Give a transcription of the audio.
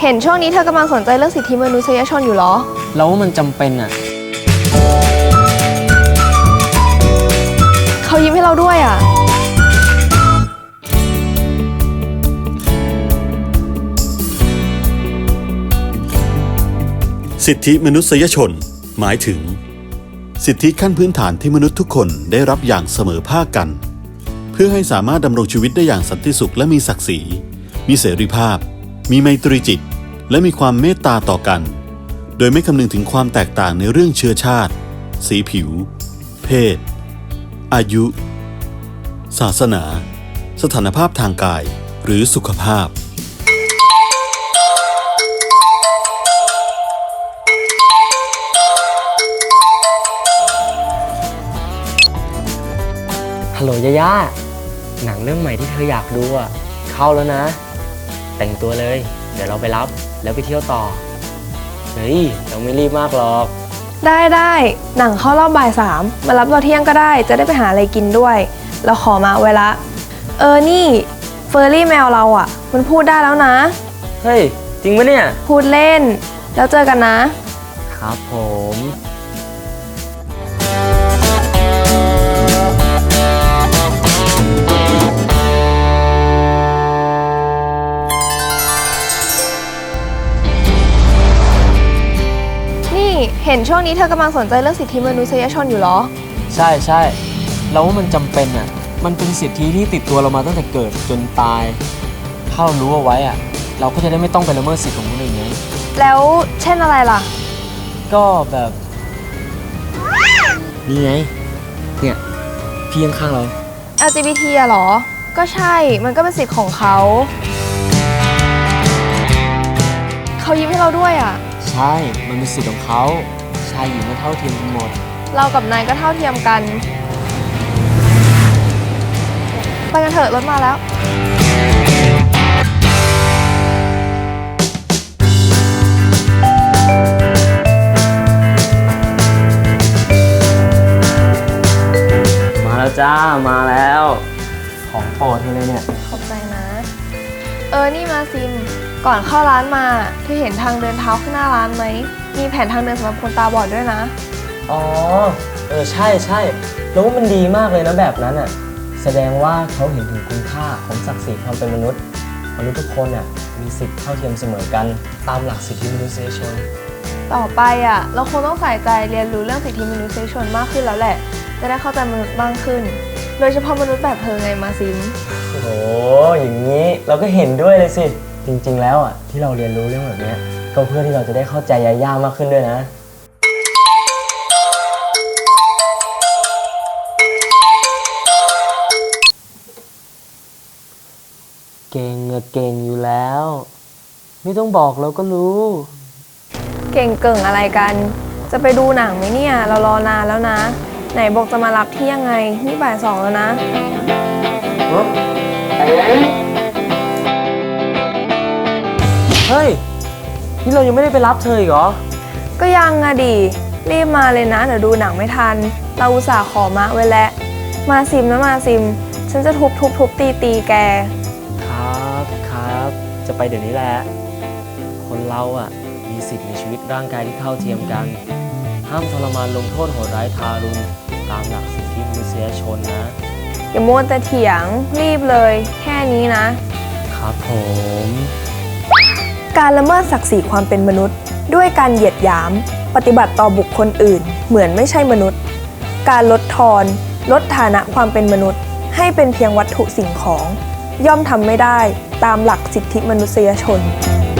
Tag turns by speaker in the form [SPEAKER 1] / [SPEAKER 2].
[SPEAKER 1] เห็นช่วงนี้เธอกำลังสนใจเรื่องสิทธิมนุษยชนอยู่เหรอ
[SPEAKER 2] แล้วว่ามันจำเป็นอ่ะ
[SPEAKER 1] เขายิ้มให้เราด้วยอ่ะ
[SPEAKER 3] สิทธิมนุษยชนหมายถึงสิทธิขั้นพื้นฐานที่มนุษย์ทุกคนได้รับอย่างเสมอภาคกันเพื่อให้สามารถดำรงชีวิตได้อย่างสันติสุขและมีศักดิ์ศรีมีเสรีภาพมีไมตรีจิตและมีความเมตตาต่อกันโดยไม่คำนึงถึงความแตกต่างในเรื่องเชื้อชาติสีผิวเพศอายุศาสนาสถานภาพทางกายหรือสุขภาพ
[SPEAKER 2] ฮัลโหลย่าย่าหนังเรื่องใหม่ที่เธออยากดูอ่ะเข้าแล้วนะแต่งตัวเลยเดี๋ยวเราไปรับแล้วไปเที่ยวต่อเฮ้ยเราไม่รีบมากหรอก
[SPEAKER 1] ได้หนังเข้ารอบบ่าย 3มารับเราเที่ยงก็ได้จะได้ไปหาอะไรกินด้วยเราขอมาไว้ละนี่เฟอร์รี่แมวเราอ่ะมันพูดได้แล้วนะ
[SPEAKER 2] เฮ้ยจริงปะเนี่ย
[SPEAKER 1] พูดเล่นแล้วเจอกันนะครับ
[SPEAKER 2] ผม
[SPEAKER 1] เห็นช่วงนี้เธอกำลังสนใจเรื่องสิทธิมนุษยชนอยู่เหรอ
[SPEAKER 2] ใช่เราว่ามันจำเป็นอ่ะมันเป็นสิทธิที่ติดตัวเรามาตั้งแต่เกิดจนตายถ้าเรารู้เอาไว้อ่ะเราก็จะได้ไม่ต้องไปละเมิดสิทธิของคนอื่นไง
[SPEAKER 1] แล้วเช่นอะไรล่ะ
[SPEAKER 2] ก็แบบนี่ไงเนี่ยพี่ข้างๆเรา
[SPEAKER 1] LGBT อะเหรอก็ใช่มันก็เป็นสิทธิ์ของเขายิ้มให้เราด้วยอ่ะ
[SPEAKER 2] ใช่มันเป็นสิทธิ์ของเขาชายหญิงมันเท่าเทียมกันหมด
[SPEAKER 1] เรากับนายก็เท่าเทียมกันไปกันเถอะรถมาแล้ว
[SPEAKER 2] มาแล้วจ้ามาแล้วของโปรดเธอเลยเนี่ย
[SPEAKER 1] ขอบใจนะนี่มาซิมก่อนเข้าร้านมาเธอเห็นทางเดินเท้าข้างหน้าร้านไหมมีแผนทางเดินสำหรับคนตาบอดด้วยนะ
[SPEAKER 2] อ๋อใช่แล้วว่ามันดีมากเลยนะแบบนั้นอ่ะแสดงว่าเขาเห็นถึงคุณค่าของศักดิ์ศรีความเป็นมนุษย์ทุกคนอ่ะมีสิทธิ์เท่าเทียมเสมอกันตามหลักสิทธิมนุษยชน
[SPEAKER 1] ต่อไปอ่ะเราคงต้องใส่ใจเรียนรู้เรื่องสิทธิมนุษยชนมากขึ้นแล้วแหละจะได้เข้าใจมนุษย์มากขึ้นโดยเฉพาะมนุษย์แบบเธอไงมาซิม
[SPEAKER 2] โอ้โหอย่างนี้เราก็เห็นด้วยเลยสิจริงๆแล้วอ่ะที่เราเรียนรู้เรื่องแบบนี้ก็เพื่อที่เราจะได้เข้าใจยาย่ามากขึ้นด้วยนะเก่งอยู่แล้วไม่ต้องบอกเราก็รู้
[SPEAKER 1] เก่งเก่งอะไรกันจะไปดูหนังไหมเนี่ยเรารอนานแล้วนะไหนบอกจะมารับที่ยังไงนี่บ่าย 2แล้วนะ
[SPEAKER 2] เฮ้ยนี่เรายังไม่ได้ไปรับเธออีกเหรอ
[SPEAKER 1] ก็ยังอะดิรีบมาเลยนะเดี๋ยวดูหนังไม่ทันเราอุตส่าห์ขอมาไว้แล้วมาซิมนะมาซิมฉันจะทุบตีแก
[SPEAKER 2] ครับจะไปเดี๋ยวนี้แหละคนเราอ่ะมีสิทธิ์ในชีวิตร่างกายที่เท่าเทียมกันห้ามทรมานลงโทษโหดร้ายทารุณตามหลักสิทธิมนุษยชนนะ
[SPEAKER 1] อย่ามัวแต่เถียงรีบเลยแค่นี้นะครับ
[SPEAKER 2] ผม
[SPEAKER 1] การละเมิดศักดิ์ศรีความเป็นมนุษย์ด้วยการเหยียดหยามปฏิบัติต่อบุคคลอื่นเหมือนไม่ใช่มนุษย์การลดทอนลดฐานะความเป็นมนุษย์ให้เป็นเพียงวัตถุสิ่งของย่อมทำไม่ได้ตามหลักสิทธิมนุษยชน